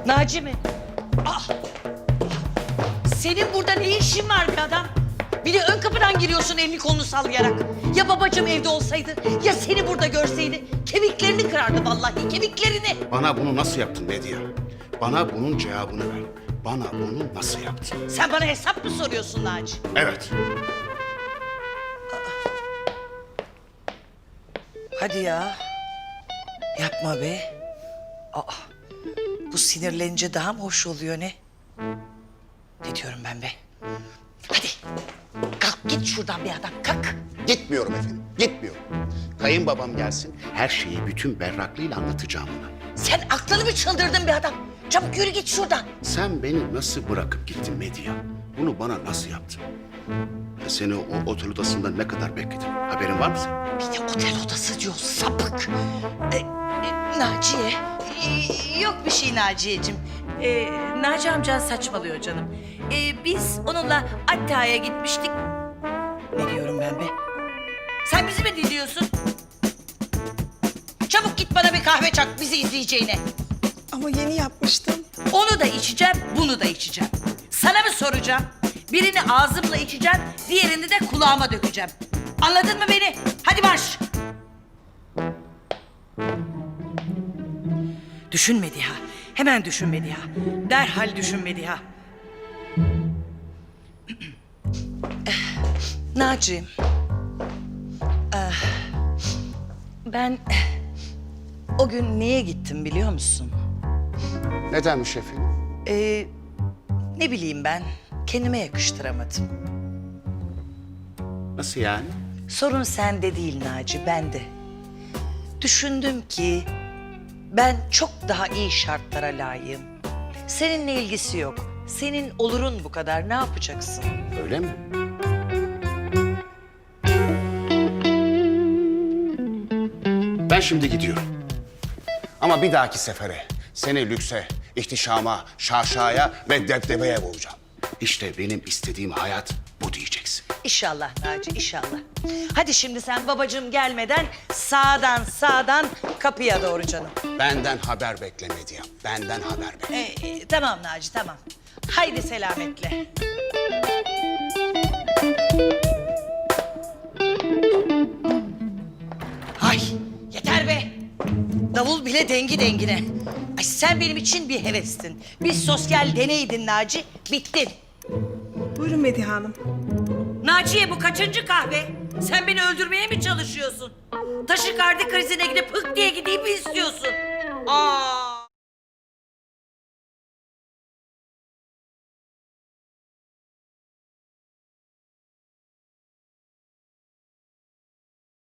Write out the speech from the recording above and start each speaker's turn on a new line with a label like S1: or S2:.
S1: Naci mi? Ah! Senin burada ne işin var be adam? Bir de ön kapıdan giriyorsun elini kolunu sallayarak. Ya babacığım evde olsaydı, ya seni burada görseydi kemiklerini kırardı vallahi, kemiklerini.
S2: Bana bunu nasıl yaptın Medya? Bana bunun cevabını ver. Bana bunu nasıl yaptın?
S1: Sen bana hesap mı soruyorsun Naci?
S2: Evet.
S1: Hadi ya. Yapma be. Aa, bu sinirlenince daha mı hoş oluyor ne? Ne diyorum ben be? Hadi kalk git şuradan bir adam kalk.
S2: Gitmiyorum efendim, gitmiyorum. Kayınbabam gelsin, her şeyi bütün berraklığıyla anlatacağım ona.
S1: Sen aklını mı çıldırdın bir adam? Çabuk yürü git şuradan.
S2: Sen beni nasıl bırakıp gittin Medya? Bunu bana nasıl yaptın? Seni o otel odasında ne kadar bekledim? Haberin var mı senin?
S1: Bir de otel odası diyor sapık. Naciye. Yok bir şey Naciye'cim. Naci amcan saçmalıyor canım. Biz onunla Atta'ya gitmiştik. Ne diyorum ben be? Sen bizi mi dinliyorsun? Çabuk git bana bir kahve çak bizi izleyeceğine.
S3: Ama yeni yapmıştım.
S1: Onu da içeceğim, bunu da içeceğim. Sana mı soracağım? Birini ağzımla içeceğim, diğerini de kulağıma dökeceğim. Anladın mı beni? Hadi marş! Düşün Mediha, hemen düşün Mediha. Derhal düşün Mediha. Naciğim. Ben o gün niye gittim biliyor musun?
S2: Nedenmiş efendim?
S1: Ne bileyim ben, kendime yakıştıramadım.
S2: Nasıl yani?
S1: Sorun sende değil Naci, bende. Düşündüm ki ben çok daha iyi şartlara layığım. Seninle ilgisi yok. Senin olurun bu kadar, ne yapacaksın?
S2: Öyle mi? Ben şimdi gidiyorum. Ama bir dahaki sefere seni lükse, ihtişama, şaşaya ve debdebeye boğacağım. İşte benim istediğim hayat bu diyeceksin.
S1: İnşallah Naci, inşallah. Hadi şimdi sen babacığım gelmeden sağdan kapıya doğru canım.
S2: Benden haber bekle Medya. Benden haber bekle.
S1: Tamam Naci, tamam. Haydi selametle. Ay yeter be. Davul bile dengi dengine. Ay sen benim için bir hevestin. Bir sosyal deneydin Naci, bittin.
S3: Buyurun Medihe Hanım.
S1: Naciye bu kaçıncı kahve? Sen beni öldürmeye mi çalışıyorsun? Taşikardi krizine gidip hık diye gideyim mi istiyorsun? Aa!